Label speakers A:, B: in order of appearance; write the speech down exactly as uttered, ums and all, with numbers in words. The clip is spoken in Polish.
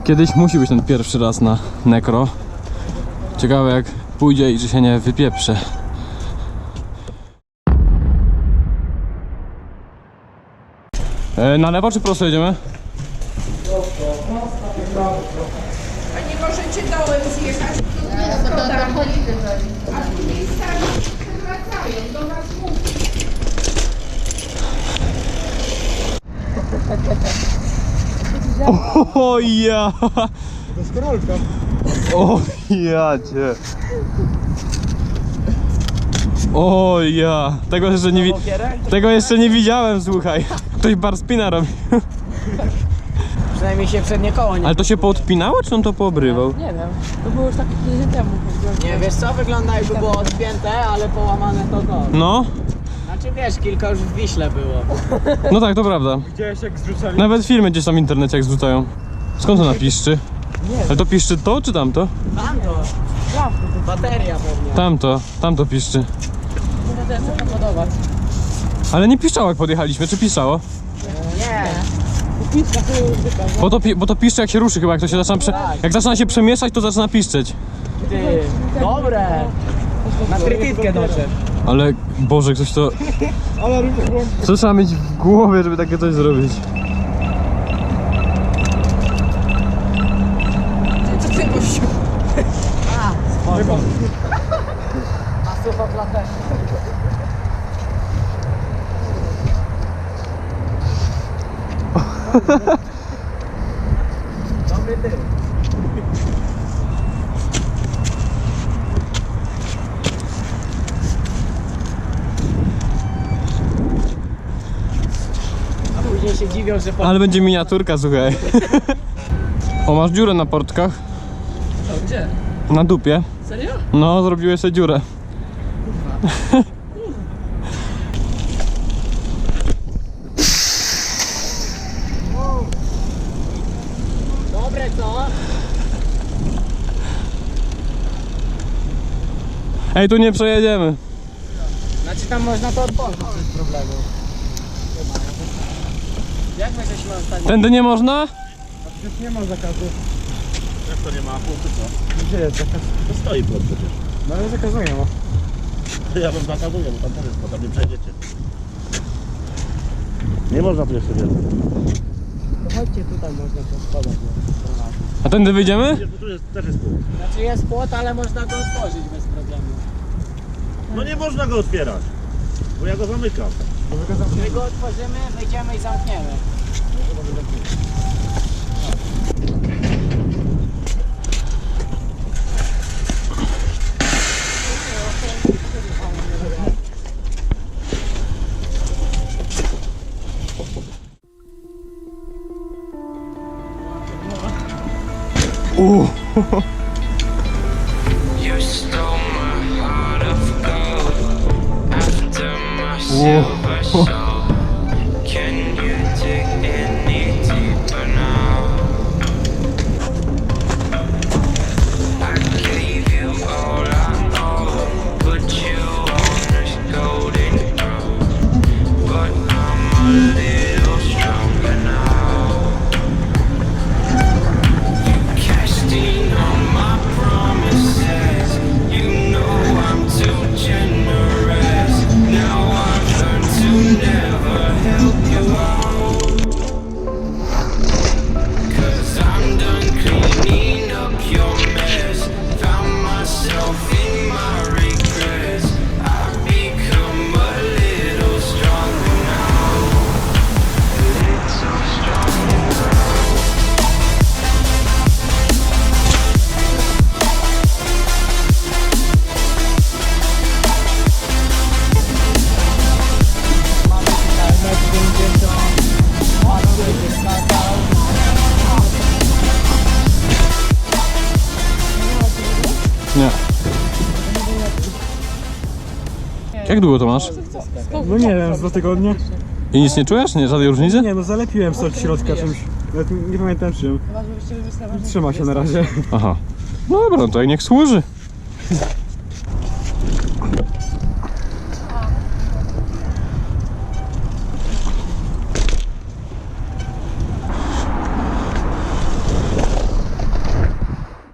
A: Kiedyś musi być ten pierwszy raz na nekro. Ciekawe jak pójdzie i czy się nie wypieprze. E, na lewo czy prosto jedziemy?
B: A nie możecie dołem zjechać? A tu miejscami wracają do was mówić.
A: O ja!
C: To jest korolka.
A: O ja cię! O ja! Tego jeszcze nie wi Tego jeszcze nie widziałem, słuchaj. Ktoś bar spina robi.
D: Przynajmniej się przednie koło nie...
A: Ale to się poodpinało, czy on to poobrywał?
E: Nie wiem, to było już tak tydzień temu.
D: Nie, wiesz co, wygląda jakby było odpięte, ale połamane to to.
A: No,
D: Znaczy wiesz, kilka już w Wiśle było.
A: no tak, to prawda.
C: Widziałeś jak zrzucali?
A: Nawet filmy gdzieś tam w internecie jak zrzucają. Skąd ona piszczy? Ale to piszczy to, czy tamto?
D: Tamto. Bateria pewnie.
A: Tamto, tamto piszczy.
E: Nie chcę to podobać.
A: Ale nie piszczało jak podjechaliśmy, czy piszczało?
D: Nie.
E: Piska to już zwykle.
A: Bo to, pi bo to piszczy jak się ruszy chyba, jak to się zaczyna prze jak zaczyna się przemieszać, to zaczyna piszczeć.
D: Ty, dobre. Na trytytkę doczep.
A: Ale Boże, ktoś to...
C: Ale
A: Co trzeba mieć w głowie, żeby takie coś zrobić?
E: Co ty gościu?
D: Spoko. A sucho klatę. Dobry ty. A później się dziwią, że po...
A: Ale będzie miniaturka, słuchaj. O, masz dziurę na portkach?
E: To gdzie?
A: Na dupie.
E: Serio?
A: No, zrobiłeś sobie dziurę.
D: Dobre co?
A: Ej, tu nie przejedziemy.
D: Znaczy tam można to otworzyć bez problemu. Jak my żeśmy ostatnio...
A: Tędy nie można?
C: już nie ma zakazu.
F: Jak to nie ma punktu, co?
C: Gdzie jest zakaz?
F: To stoi pod przecież.
C: No ale zakazu nie ma.
F: Ja wam zakazuję, bo tam też jest, bo tam nie przejdziecie. Nie można tu jeszcze wjeżdżać.
D: To chodźcie tutaj, można to spadać.
A: A tędy wyjdziemy?
F: Wiesz, bo tu jest, też jest pół.
D: Znaczy jest płot, ale można go otworzyć bez problemu.
F: No nie można go otwierać, bo ja go zamykam.
D: My go otworzymy, wyjdziemy i zamkniemy.
A: Uh.
G: You stole my heart of gold after my silver soul. Can you dig any deeper now? I gave you all I own, put you on this golden throne, but I'm a little stronger now. You cashed in on my promises. You know I'm too generous. Now I've learned to never help you out. 'Cause I'm done cleaning up your mess. Found myself in my regrets. I've become a little stronger now. A little stronger now.
A: Nie. Jak długo to masz?
C: No nie wiem, z dwa tygodnie.
A: I nic nie czujesz? Nie, żadnej różnicy?
C: Nie no, zalepiłem coś od środka czymś. Nawet nie pamiętam czym. Trzyma się na razie.
A: Aha. No dobra, no to jak niech służy.